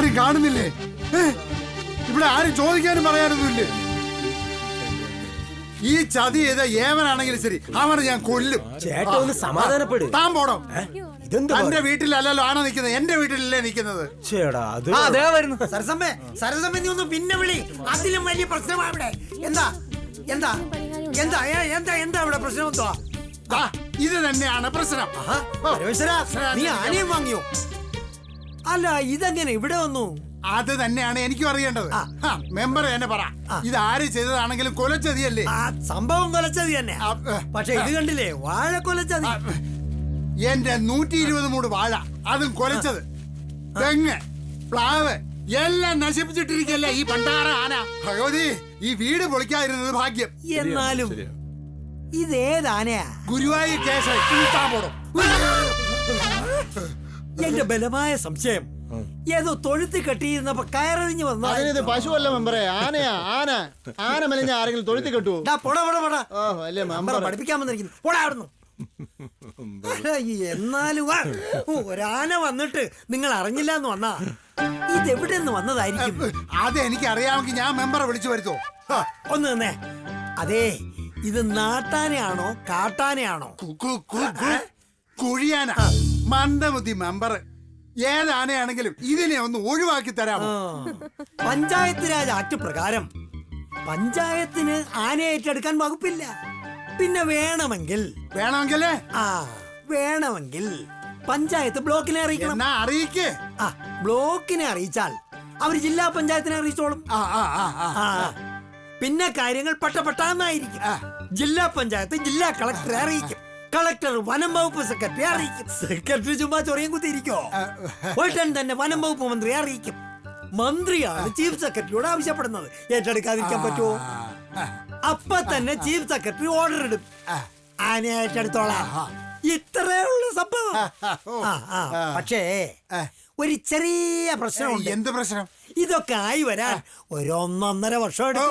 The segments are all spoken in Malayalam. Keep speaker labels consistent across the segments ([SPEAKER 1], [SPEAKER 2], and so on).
[SPEAKER 1] ആരും കാണുന്നില്ലേ? ഇവിടെ ആരും ചോദിക്കാനും പറയാനൊന്നുമില്ലേ? ഈ ചതി ചെയ്ത ഏവനാണെങ്കിലും ശരി അവനെ ഞാൻ കൊല്ലും.
[SPEAKER 2] ചേട്ടാ ഒന്ന് സമാധാനപ്പെടും.
[SPEAKER 1] താൻ പോടോ.
[SPEAKER 2] ഇതെന്താ
[SPEAKER 1] എന്റെ വീട്ടിലല്ലല്ലോ ആന നിൽക്കുന്നത്, എന്റെ വീട്ടിലല്ലേ നിൽക്കുന്നത്.
[SPEAKER 2] ചേടാ അത്
[SPEAKER 3] സരസമ്മേ സരസമ്മേ നീ ഒന്ന് പിന്നെ വിളി. അതിലും വലിയ പ്രശ്നമാണ് ഇവിടെ. എന്താ എന്താ എന്താ എന്താ എന്താ ഇവിടെ പ്രശ്നം? എന്തോ
[SPEAKER 1] ഇത് തന്നെയാണ് പ്രശ്നം.
[SPEAKER 3] നീ ആനയും വാങ്ങിയോ? അല്ല ഇതെങ്ങനെ ഇവിടെ വന്നു?
[SPEAKER 1] അത് തന്നെയാണ് എനിക്കും അറിയേണ്ടത്. മെമ്പർ തന്നെ പറ, ഇത് ആര് ചെയ്തതാണെങ്കിലും കൊലച്ചതിയല്ലേ?
[SPEAKER 3] സംഭവം കൊലച്ചതി തന്നെ. പക്ഷെ ഇത് കണ്ടില്ലേ, വാഴ കൊലച്ചതി.
[SPEAKER 1] എന്റെ 120 മൂട് വാഴ, അതും കൊലച്ചത്. തെങ്ങ്, പ്ലാവ് എല്ലാം നശിപ്പിച്ചിട്ടിരിക്കല്ലേ ഈ പണ്ടാറ ആന. ഭഗവതി, ഈ വീട് പൊളിക്കാതിരുന്നത് ഭാഗ്യം.
[SPEAKER 3] എന്നാലും ഇതേതാനയാ?
[SPEAKER 1] ഗുരുവായൂർ കേസ് പോടും.
[SPEAKER 3] എന്റെ ബലമായ സംശയം ഏതോ തൊഴുത്തി കെട്ടിയിരുന്നപ്പോ കയറിഞ്ഞു വന്ന
[SPEAKER 4] പശുവല്ല മെമ്പറെ, ആനയാ. ആന ആന മെലിഞ്ഞ ആരെങ്കിലും തൊഴുത്തി കെട്ടുവോ?
[SPEAKER 3] പഠിപ്പിക്കാൻ വന്നിരിക്കുന്നു. പോടായിരുന്നു. എന്നാലും ഒരാന വന്നിട്ട് നിങ്ങൾ അറിഞ്ഞില്ല എന്ന് വന്നാ ഇതെവിടെ നിന്ന് വന്നതായിരിക്കും?
[SPEAKER 1] അത് എനിക്ക് അറിയാമെങ്കിൽ ഞാൻ മെമ്പറെ വിളിച്ചു വരുത്തോ?
[SPEAKER 3] ഒന്ന് തന്നെ. അതെ, ഇത് നാട്ടാനയാണോ കാട്ടാനയാണോ?
[SPEAKER 1] കുഴിയാന. മന്ദബുദ്ധി മെമ്പർ, ഏതാനയാണെങ്കിലും ഇതിനെ ഒന്ന് ഒഴിവാക്കി തരാമോ?
[SPEAKER 3] പഞ്ചായത്ത് രാജ് ആക്ട് പ്രകാരം പഞ്ചായത്തിന് ആന ഏറ്റെടുക്കാൻ വകുപ്പില്ല. പിന്നെ വേണമെങ്കിൽ പഞ്ചായത്ത് ബ്ലോക്കിനെ അറിയിക്കണം.
[SPEAKER 1] അറിയിക്കേ.
[SPEAKER 3] ബ്ലോക്കിനെ അറിയിച്ചാൽ അവര് ജില്ലാ പഞ്ചായത്തിനെ അറിയിച്ചോളും. പിന്നെ കാര്യങ്ങൾ പെട്ടെന്നായിരിക്കും. ജില്ലാ പഞ്ചായത്ത് ജില്ലാ കളക്ടറെ അറിയിക്കും. കളക്ടർ വനം വകുപ്പ് സെക്രട്ടറി അറിയിക്കും. സെക്രട്ടറി ചുമ്മാ ചൊറിയും കുത്തിയിരിക്കോ? ഉടൻ തന്നെ വനം വകുപ്പ് മന്ത്രിയെ അറിയിക്കും. മന്ത്രിയാണ് ചീഫ് സെക്രട്ടറിയോട് ആവശ്യപ്പെടുന്നത്. ഏറ്റെടുക്കാതിരിക്കാൻ പറ്റുമോ? അപ്പൊ തന്നെ ചീഫ് സെക്രട്ടറി ഓർഡർ ഇടും, ആനയെ ഏറ്റെടുത്തോളാം. ഇത്രേ ഉള്ള സംഭവം. പക്ഷേ ഒരു ചെറിയ പ്രശ്നമുണ്ട്.
[SPEAKER 1] എന്ത് പ്രശ്നം?
[SPEAKER 3] ഇതൊക്കെ ആയി വരാൻ 1.5 വർഷം എടുക്കും.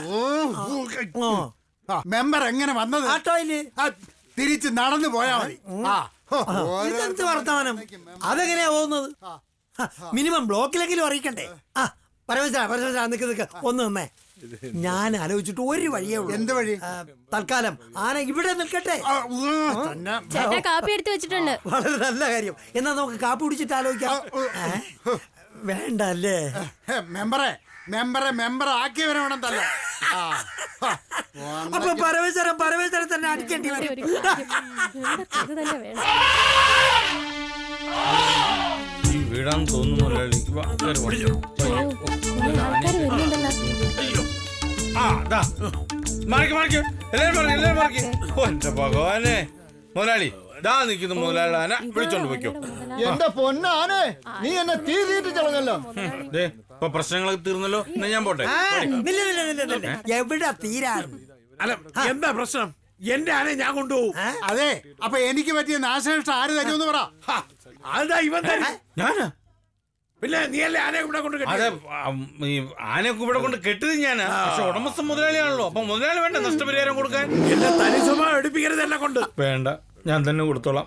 [SPEAKER 1] മെമ്പർ എങ്ങനെ വന്നത്?
[SPEAKER 3] ആട്ടോയില്
[SPEAKER 1] തിരിച്ച് നടന്നു പോയാ മതി.
[SPEAKER 3] ഇതെന്ത് വർത്തമാനം? അതെങ്ങനെയാ പോകുന്നത്? മിനിമം ബ്ലോക്കിലെങ്കിലും അറിയിക്കണ്ടേ? പരമേശ്വര നിൽക്ക് ഒന്ന് നിന്നേ. ഞാൻ ആലോചിച്ചിട്ട് ഒരു വഴിയേ ഉള്ളൂ.
[SPEAKER 1] എന്ത് വഴി?
[SPEAKER 3] തൽക്കാലം ആന ഇവിടെ നിൽക്കട്ടെ.
[SPEAKER 5] കാപ്പി എടുത്ത് വെച്ചിട്ടുണ്ട്.
[SPEAKER 3] വളരെ നല്ല കാര്യം. എന്നാ നമുക്ക് കാപ്പി കുടിച്ചിട്ട് ആലോചിക്കാം. വേണ്ട അല്ലേ?
[SPEAKER 1] മെമ്പർ ആക്കിയവരെ വേണം തല്ല.
[SPEAKER 3] അപ്പൊ പരമേശ്വരൻ തന്നെ അടിക്കേണ്ടി വരും.
[SPEAKER 6] വീടാന്ന് തോന്നുന്നു. ഭഗവാനെ, മുതലാളി ദാ നിൽക്കുന്നു. മുതലാളി ആന വിളിച്ചോണ്ട് പോയിക്കോ.
[SPEAKER 4] എന്റെ പൊന്നാനെ, നീ എന്നെ തീർത്തിട്ട് ചളഞ്ഞല്ലോ.
[SPEAKER 6] ഇപ്പൊ പ്രശ്നങ്ങളൊക്കെ തീർന്നല്ലോ. എന്നാ ഞാൻ പോട്ടെ.
[SPEAKER 3] എവിടെ തീരാൻ?
[SPEAKER 7] അല്ല, എന്താ പ്രശ്നം? എന്റെ ആനയെ ഞാൻ കൊണ്ടുപോകും.
[SPEAKER 1] അതെ, അപ്പൊ എനിക്ക് പറ്റിയ നാശനഷ്ടം ആര് തരുമെന്ന് പറ.
[SPEAKER 7] അതാ ഇവൻ തരും.
[SPEAKER 6] ഞാനാ?
[SPEAKER 7] പിന്നെ നീയല്ലേ ആനയെ ഇവിടെ കൊണ്ട്
[SPEAKER 6] അതെ, ഈ ആനയൊക്കെ ഇവിടെ കൊണ്ട് കെട്ടിയത് ഞാനാ. പക്ഷെ ഉടമസ്ഥ മുതലാളിയാണല്ലോ. അപ്പൊ മുതലാളി വേണ്ട നഷ്ടപരിഹാരം കൊടുക്കാൻ?
[SPEAKER 7] എന്റെ തനിസ്വഭാവം എടുപ്പിക്കരുത് എന്നെ കൊണ്ട്.
[SPEAKER 6] വേണ്ട, ഞാൻ തന്നെ കൊടുത്തോളാം.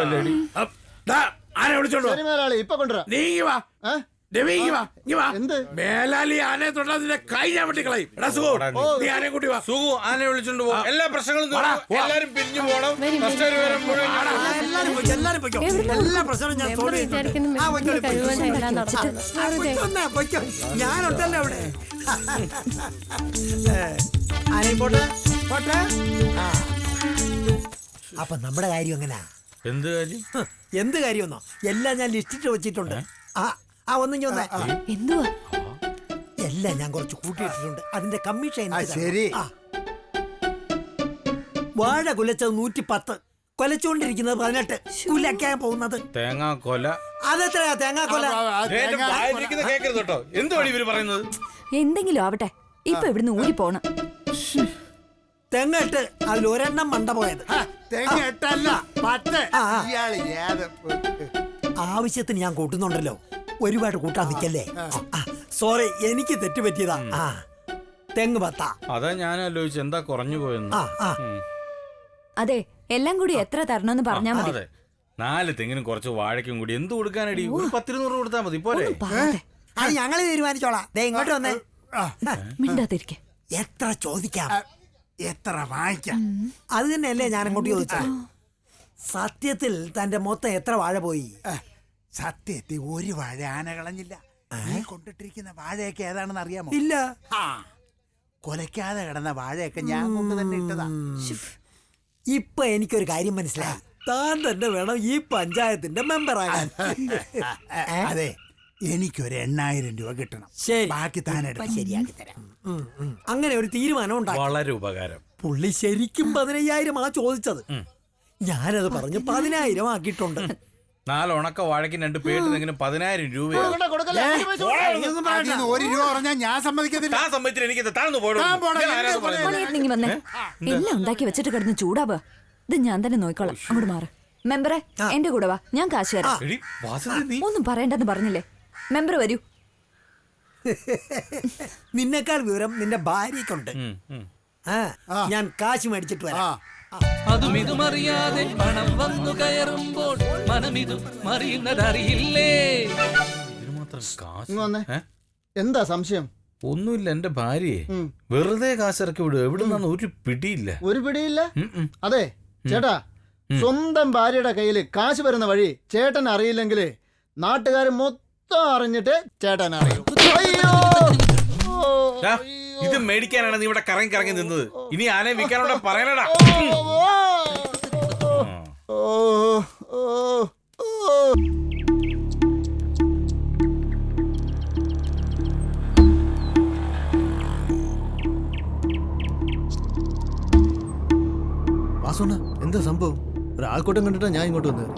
[SPEAKER 7] ആന വിളിച്ചോണ്ടോ?
[SPEAKER 4] ഇപ്പൊ കൊണ്ടുവരാ.
[SPEAKER 7] നീങ്ങി വാ.
[SPEAKER 4] എന്ത്
[SPEAKER 7] മേലാലി ആനയെ തൊട്ടാ നിന്റെ കൈ ഞാൻ വെട്ടിക്കളയും. നീ ആനയെ കൂട്ടി വാ.
[SPEAKER 6] സുഖു ആനയെ വിളിച്ചോണ്ട് പോകും. എല്ലാ പ്രശ്നങ്ങളും എല്ലാരും പിരിഞ്ഞു പോകണം.
[SPEAKER 3] എല്ലാ പ്രശ്നവും ഞാൻ ഞാനുണ്ടല്ലോ അവിടെ. ആനയും പോട്ടെ പോട്ടെ. അപ്പൊ നമ്മുടെ കാര്യം എങ്ങനാ?
[SPEAKER 6] എന്ത് കാര്യം?
[SPEAKER 3] എന്ത് കാര്യമെന്നോ? എല്ലാം ഞാൻ ലിസ്റ്റിട്ട് വെച്ചിട്ടുണ്ട്. ഒന്നും ചോന്നേ.
[SPEAKER 5] എന്തുവാ?
[SPEAKER 3] എല്ലാം ഞാൻ കുറച്ച് കൂട്ടിയിട്ടിട്ടുണ്ട്. അതിന്റെ കമ്മീഷൻ.
[SPEAKER 1] ശരി.
[SPEAKER 3] വാഴ കുലച്ചത് 110, കൊലച്ചുകൊണ്ടിരിക്കുന്നത് 18. കുലക്കാൻ പോകുന്നത്
[SPEAKER 6] തേങ്ങാക്കൊല.
[SPEAKER 3] അതെത്രയാ തേങ്ങാക്കൊല?
[SPEAKER 6] കേട്ടോ എന്ത് വഴി ഇവര് പറയുന്നത്?
[SPEAKER 5] എന്തെങ്കിലും ആവട്ടെ, ഇപ്പൊ ഇവിടുന്ന് ഊരി പോണം.
[SPEAKER 3] തെങ്ങെട്ട് അതിൽ ഒരെണ്ണം മണ്ട പോയത്.
[SPEAKER 1] തെങ്ങെട്ടല്ല 10.
[SPEAKER 3] ആവശ്യത്തിന് ഞാൻ കൂട്ടുന്നുണ്ടല്ലോ, ഒരുപാട് കൂട്ടാൻ നിൽക്കല്ലേ. സോറി, എനിക്ക് തെറ്റുപറ്റിയതാ. തെങ്ങ് 10.
[SPEAKER 6] അതാ ഞാൻ ആലോചിച്ചു എന്താ കുറഞ്ഞു പോയെന്ന്.
[SPEAKER 5] അതെ, എല്ലാം കൂടി എത്ര തരണമെന്ന് പറഞ്ഞാ മതി.
[SPEAKER 6] അതെ, 4 തെങ്ങിനും കുറച്ച് വാഴയ്ക്കും കൂടി എന്ത് കൊടുക്കാനടി? 10-200 കൊടുത്താൽ മതി. പോലെ
[SPEAKER 3] അത് ഞങ്ങള് തീരുമാനിച്ചോളാം. ദേ ഇങ്ങോട്ട് വന്നേ.
[SPEAKER 5] മിണ്ടാതിരിക്കെ.
[SPEAKER 3] എത്ര ചോദിക്കാം,
[SPEAKER 1] എത്ര വാങ്ങിക്കാം?
[SPEAKER 3] അത് തന്നെയല്ലേ ഞാൻ അങ്ങോട്ട് ചോദിച്ചത്. സത്യത്തിൽ തന്റെ മൊത്തം എത്ര വാഴ പോയി?
[SPEAKER 1] സത്യത്തിൽ ഒരു വാഴ ആന കളഞ്ഞില്ല. നീ കൊണ്ടിട്ടിരിക്കുന്ന വാഴയൊക്കെ ഏതാണെന്ന് അറിയാമോ?
[SPEAKER 3] ഇല്ല.
[SPEAKER 1] ആ, കൊലയ്ക്കാതെ കിടന്ന വാഴയൊക്കെ ഞാൻ കൊണ്ട് തന്നെ ഇട്ടതാ.
[SPEAKER 3] ഇപ്പൊ എനിക്കൊരു കാര്യം മനസ്സിലായി. താൻ തന്നെ വേണം ഈ പഞ്ചായത്തിന്റെ മെമ്പറാകാൻ.
[SPEAKER 1] അതെ, എനിക്കൊരു 8,000 രൂപ കിട്ടണം.
[SPEAKER 3] ശരി,
[SPEAKER 1] ബാക്കി താനെടുത്ത്
[SPEAKER 3] ശരിയാക്കി തരാം. അങ്ങനെ ഒരു തീരുമാനം ഉണ്ടാക്കി.
[SPEAKER 6] വളരെ ഉപകാരം.
[SPEAKER 3] പുള്ളി ശരിക്കും 15,000 ആ ചോദിച്ചത്. ഞാനത് പറഞ്ഞ് 10,000 ആക്കിയിട്ടുണ്ട്.
[SPEAKER 6] 4 ഉണക്ക വാഴയ്ക്ക് 2 പേട്ടിനെങ്കിലും 10,000 രൂപയാണ്.
[SPEAKER 1] അതിന്ന് 1 രൂപ പറഞ്ഞാൽ ഞാൻ സമ്മതിക്കത്തില്ല.
[SPEAKER 6] താൻ സമ്മതിച്ചിട്ട് എനിക്ക് താഴ്ന്നു പോയോ?
[SPEAKER 1] താൻ പോടാ,
[SPEAKER 6] ഞാൻ ആരാന്ന് പറയുന്നത്?
[SPEAKER 5] മോനെയിരുന്നെങ്കി വന്നേ. എല്ലാം ഉണ്ടാക്കി വെച്ചിട്ട് കിടന്ന് ചൂടാവുക. ഇത് ഞാൻ തന്നെ നോക്കിക്കോളാം. അങ്ങോട്ട് മാറ്. മെമ്പറെ എന്റെ കൂടെ വാ, ഞാൻ കാശ് തരാം.
[SPEAKER 6] എടി, വാസുദേവി, നീ
[SPEAKER 5] ഒന്നും പറയണ്ടെന്ന് പറഞ്ഞില്ലേ. മെമ്പർ വരൂ.
[SPEAKER 3] നിന്നെക്കാൾ വിവരം നിന്റെ ഭാര്യക്കുണ്ട്. ഞാൻ കാശ് മേടിച്ചിട്ട് വരാം.
[SPEAKER 8] അതും ഇതുമറിയാതെ പണം വന്നു കയറുമ്പോൾ മനമിതും മറിയുന്നതറിയില്ലേ.
[SPEAKER 6] ഇതിന് മാത്രം കാശ്?
[SPEAKER 4] ഇങ്ങ് വന്നേ.
[SPEAKER 6] ഏ?
[SPEAKER 4] എന്താ സംശയം?
[SPEAKER 6] ഒന്നുമില്ല, എന്റെ ഭാര്യയെ വെറുതെ കാശിറക്കി വിടുക. എവിടെ നിന്നാണ് ഒരു പിടിയില്ല.
[SPEAKER 4] ഒരു പിടിയില്ല.
[SPEAKER 6] ഉം.
[SPEAKER 4] അതെ ചേട്ടാ, സ്വന്തം ഭാര്യയുടെ കയ്യിൽ കാശ് വരുന്ന വഴി ചേട്ടൻ അറിയില്ലെങ്കിൽ നാട്ടുകാർ മൊത്തം അറിഞ്ഞിട്ട് ചേട്ടൻ അറിയും. അയ്യോ!
[SPEAKER 6] ദാ, ഇത് മേടിക്കാനാണ് നീ ഇവിടെ കറങ്ങി കറങ്ങി നിന്നത്. ഇനി ആനയെ വിൽക്കാനോടെ പറയണടാ.
[SPEAKER 4] ഓ, ഓ, ഓ.
[SPEAKER 9] വാസുണ്ണ, എന്താ സംഭവം? ഒരാൾക്കൂട്ടം കണ്ടിട്ടാ ഞാൻ ഇങ്ങോട്ട് വന്നത്.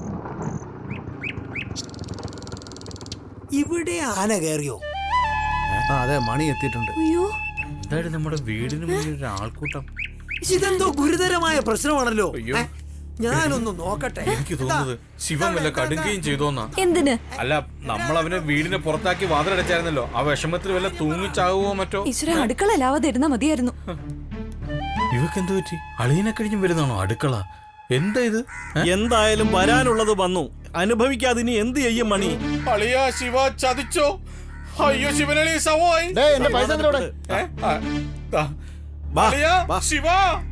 [SPEAKER 3] ഇവിടെ ആന കയറിയോ?
[SPEAKER 9] ആ അതെ, മണി എത്തിയിട്ടുണ്ട്.
[SPEAKER 5] അയ്യോ,
[SPEAKER 6] എന്തായാലും നമ്മുടെ വീടിന് മുന്നിൽ ഒരു ആൾക്കൂട്ടം.
[SPEAKER 3] ഇതെന്തോ ഗുരുതരമായ പ്രശ്നമാണല്ലോ.
[SPEAKER 6] അയ്യോ.
[SPEAKER 3] ഞാനൊന്ന് നോക്കട്ടെ.
[SPEAKER 6] എനിക്ക് തോന്നുന്നത് ശിവൻ വല്ല കടുക്കുകയും ചെയ്തോന്നാ.
[SPEAKER 5] എന്തിന്?
[SPEAKER 6] അല്ല, നമ്മൾ അവനെ വീടിനെ പുറത്താക്കി വാതിലടച്ചായിരുന്നല്ലോ. ആ വിഷമത്തിൽ വല്ല തൂങ്ങിച്ചാകുവോ മറ്റോ.
[SPEAKER 5] ഈശ്വര, അടുക്കളയിലാവാതെ ഇരുന്നാ മതിയായിരുന്നു.
[SPEAKER 6] ഇവക്ക് എന്ത് പറ്റി? അളിയനെ കഴിഞ്ഞും വരുന്നതാണോ അടുക്കള? എന്താ ഇത്?
[SPEAKER 2] എന്തായാലും വരാനുള്ളത് വന്നു. അനുഭവിക്കാതിനി എന്ത് ചെയ്യും മണി?
[SPEAKER 6] അളിയാ, ശിവ ചതിച്ചോ? അയ്യോ, ശിവനളി സവായി.
[SPEAKER 4] ഡേയ്, എന്റെ പൈസ എന്തിനാ ഇവിടെ?
[SPEAKER 6] അളിയാ, ശിവ.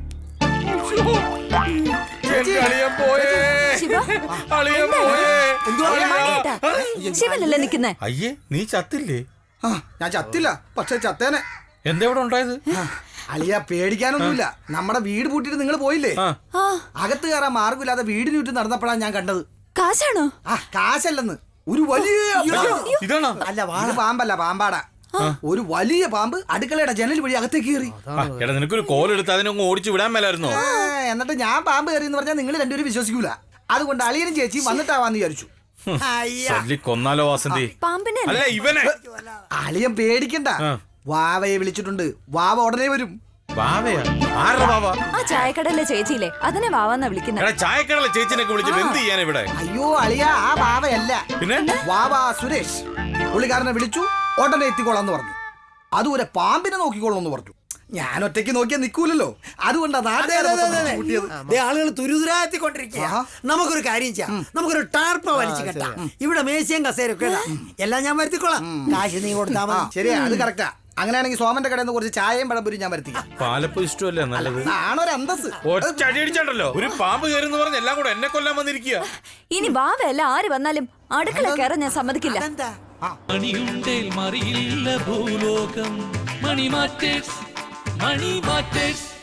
[SPEAKER 6] എന്റെ അളിയൻ പോയേ.
[SPEAKER 5] ശിവ,
[SPEAKER 6] അളിയൻ പോയേ.
[SPEAKER 5] മണിയേട്ടാ, ശിവനല്ലേ നിക്കുന്നേ?
[SPEAKER 6] അയ്യേ, നീ ചത്തില്ലേ?
[SPEAKER 10] ഞാൻ ചത്തില്ല, പക്ഷെ ചത്തേനെ.
[SPEAKER 6] എന്താ ഇവിടെ ഉണ്ടായത്?
[SPEAKER 10] അളിയ, പേടിക്കാനൊന്നുമില്ല. നമ്മുടെ വീട് പൂട്ടിട്ട് നിങ്ങൾ പോയില്ലേ?
[SPEAKER 5] ആ,
[SPEAKER 10] അകത്ത് കയറാൻ മാർഗമില്ലാതെ വീടിന് ചുറ്റും നടന്നപ്പോഴാണ് ഞാൻ കണ്ടത്.
[SPEAKER 5] കാശാണോ?
[SPEAKER 10] ആ, കാശല്ലെന്ന്, ഒരു വലിയ
[SPEAKER 6] ഇതാണോ?
[SPEAKER 10] അല്ല, വാഴ പാമ്പല്ല, പാമ്പാടാ. ഒരു വലിയ പാമ്പ് അടുക്കളയുടെ ജനൽ വഴി അകത്തേക്ക് കയറി.
[SPEAKER 6] എടാ, നിനക്കൊരു കോലെടുത്ത് അതിനൊന്ന് ഓടിച്ചു വിടാൻ മേലായിരുന്നോ?
[SPEAKER 10] എന്നിട്ട് ഞാൻ പാമ്പ് കയറി എന്ന് പറഞ്ഞാൽ നിങ്ങൾ രണ്ടുപേരും വിശ്വസിക്കൂല. അതുകൊണ്ട് അളിയനും ചേച്ചിയും വന്നിട്ടാവാന്ന് വിചാരിച്ചു.
[SPEAKER 6] തല്ലി കൊന്നാലോ വാസന്തി?
[SPEAKER 5] പാമ്പിനെ
[SPEAKER 6] അല്ല, ഇവനെ.
[SPEAKER 10] അളിയൻ പേടിക്കണ്ട, വാവയെ വിളിച്ചിട്ടുണ്ട്. വാവ ഉടനെ വരും.
[SPEAKER 6] വാവയാ? ആരുടെ വാവ?
[SPEAKER 5] ആ ചായക്കടയിലെ ചേച്ചിയില്ലേ, അതിനെ വാവാന്നാ വിളിക്കുന്നത്.
[SPEAKER 6] എടാ, ചായക്കടയിലെ ചേച്ചിനൊക്കെ വിളിച്ചിട്ട് എന്ത് ചെയ്യാൻ ഇവിടെ?
[SPEAKER 10] അയ്യോ അളിയ, ആ വാവയല്ല,
[SPEAKER 6] പിന്നെ
[SPEAKER 10] വാവ സുരേഷ്. പുള്ളിക്കാരനെ വിളിച്ചു, ഉടനെ എത്തിക്കോളാന്ന് പറഞ്ഞു. അതുപോലെ പാമ്പിനെ നോക്കിക്കോളാന്ന് പറഞ്ഞു. ഞാൻ ഒറ്റയ്ക്ക് നോക്കിയാൽ നിൽക്കൂലല്ലോ, അതുകൊണ്ടാണ്
[SPEAKER 3] ആളുകൾ തുരുതുരാത്തിക്കൊണ്ടിരിക്കുക. നമുക്കൊരു കാര്യം ചെയ്യാം, നമുക്കൊരു ടാർപ്പ വലിച്ചു കെട്ടാം. ഇവിടെ മേശയും കസേരൊക്കെ ഇടാം. എല്ലാം ഞാൻ വരുത്തിക്കോളാം. കാശ് നീ കൊടുത്താൽ മതി.
[SPEAKER 10] ശരിയാ, അത് കറക്റ്റാ. അങ്ങനെയാണെങ്കിൽ സോമന്റെ കടയിൽ നിന്ന് കുറച്ച് ചായയും പഴംപൊരിയും ഞാൻ വരുത്തിക്കാം.
[SPEAKER 6] പാലപ്പം ഇഷ്ടമല്ലേ നല്ലത്?
[SPEAKER 10] ആണൊരു അന്തസ്.
[SPEAKER 6] ഒറ്റ അടി അടിച്ചാണ്ടല്ലോ. ഒരു പാമ്പ് കയറുന്ന് പറഞ്ഞ് എല്ലാം കൂടെ എന്നെ കൊല്ലാൻ വന്നിരിക്കുക.
[SPEAKER 5] ഇനി വാവയല്ല ആര് വന്നാലും അടുക്കള കയറാൻ ഞാൻ സമ്മതിക്കില്ല.
[SPEAKER 8] മണിയുണ്ടേൽ മറിയില്ല ഭൂലോകം. Money matters, money matters.